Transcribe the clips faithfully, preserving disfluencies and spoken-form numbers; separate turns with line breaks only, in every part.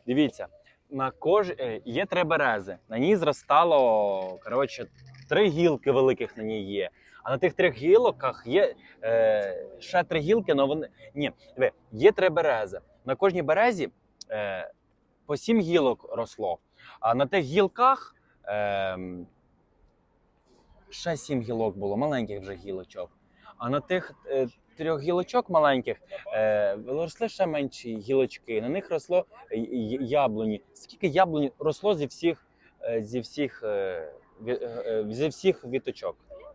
Дивіться, на кож... е, є три берези. На ній зростало, коротше, три гілки великих на ній є. А на тих трьох гілках є е, ще три гілки, але вони. Ні, диви, є три берези. На кожній березі е, по сім гілок росло. А на тих гілках е, ще сім гілок було, маленьких вже гілочок. А на тих е, трьох гілочок маленьких е, росли ще менші гілочки. На них росло й- й- яблуні. Скільки яблунь росло зі всіх, е, зі всіх, е, ві- е, зі всіх віточок?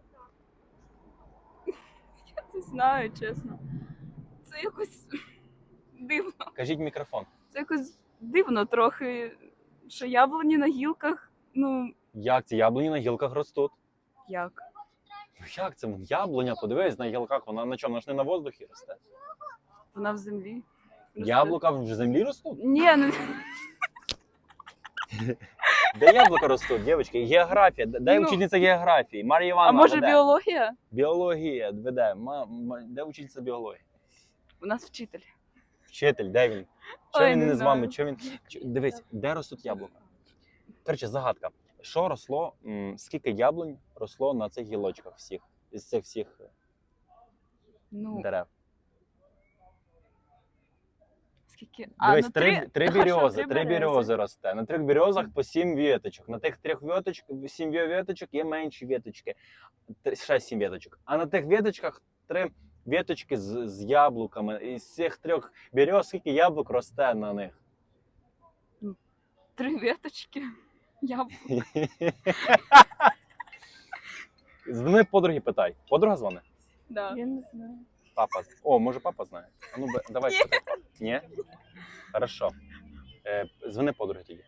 Я не знаю, чесно. Це якось дивно.
Кажіть в мікрофон.
Це якось дивно трохи, що яблуні на гілках, ну,
Як ці яблуні на гілках ростуть?
як?
Ну як це? Яблуня, подивись, на гілках, вона на чому? Вона ж не на воздухі росте.
Вона в землі. росте.
Яблука в землі ростуть?
Ні, ну,
Де яблука ростуть, дівчатки? Географія. Де
Ну.
учительниця географії? Марія
а
Івановна
може
веде.
біологія?
Біологія веде. Ма- ма- Де учительниця біології?
У нас вчитель.
Вчитель, де він? Чого
Ой,
він
не
не з
знаю.
вами? Чого він... Чо- Дивись, де ростуть яблука? Коротше, загадка. Що росло, м, скільки яблунь росло на цих гілочках всіх, із цих всіх
Ну,
дерев?
скільки?
Дивись,
ну,
три, три
А, що,
бірьози,
три
три
берези?
бірьози росте. На трьох бірьозах по сім віточок. На тих трьох віточок, сім віточок є менші віточки. Т- Ще сім віточок. А на тих віточках три віточки з, з яблуками. І з цих трьох бірьоз скільки яблук росте на них?
Три веточки. Яблук.
Дзвони подруги, питай. Подруга дзвони?
Да. Я не знаю.
Папа. О, може папа знає? А ну, бе- давай спитай. Ні? Хорошо. Е, дзвони подруги тоді.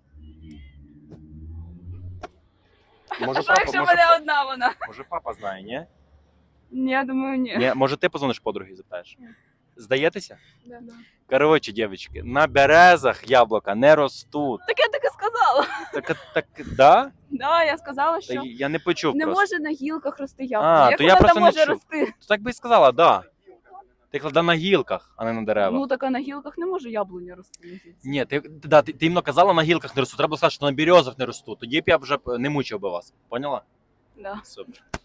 Може
А
папа,
якщо в
може,
мене одна вона?
може папа знає, ні?
Ні, я думаю, ні.
Ні? Може ти позвониш подруги і запитаєш? Здаєтеся?
Да, да.
Коротше, дівчатки, на березах яблука не ростуть.
Так я так і сказала.
Так, так, да?
Да, я сказала,
Та
що
я не почув
не
просто.
може на гілках рости
А,
яблуня. Як
то я
вона
просто
там
не
може
чув.
рости?
То так би і сказала, да. Ти клада на гілках, а не на деревах.
Ну так а на гілках не може яблуня рости. на гілці.
Ні, ти, да, ти, ти іменно казала, на гілках не ростуть. Треба було сказати, що на березах не ростуть. Тоді б я вже б не мучив би вас. Поняла?
Да.
Супер.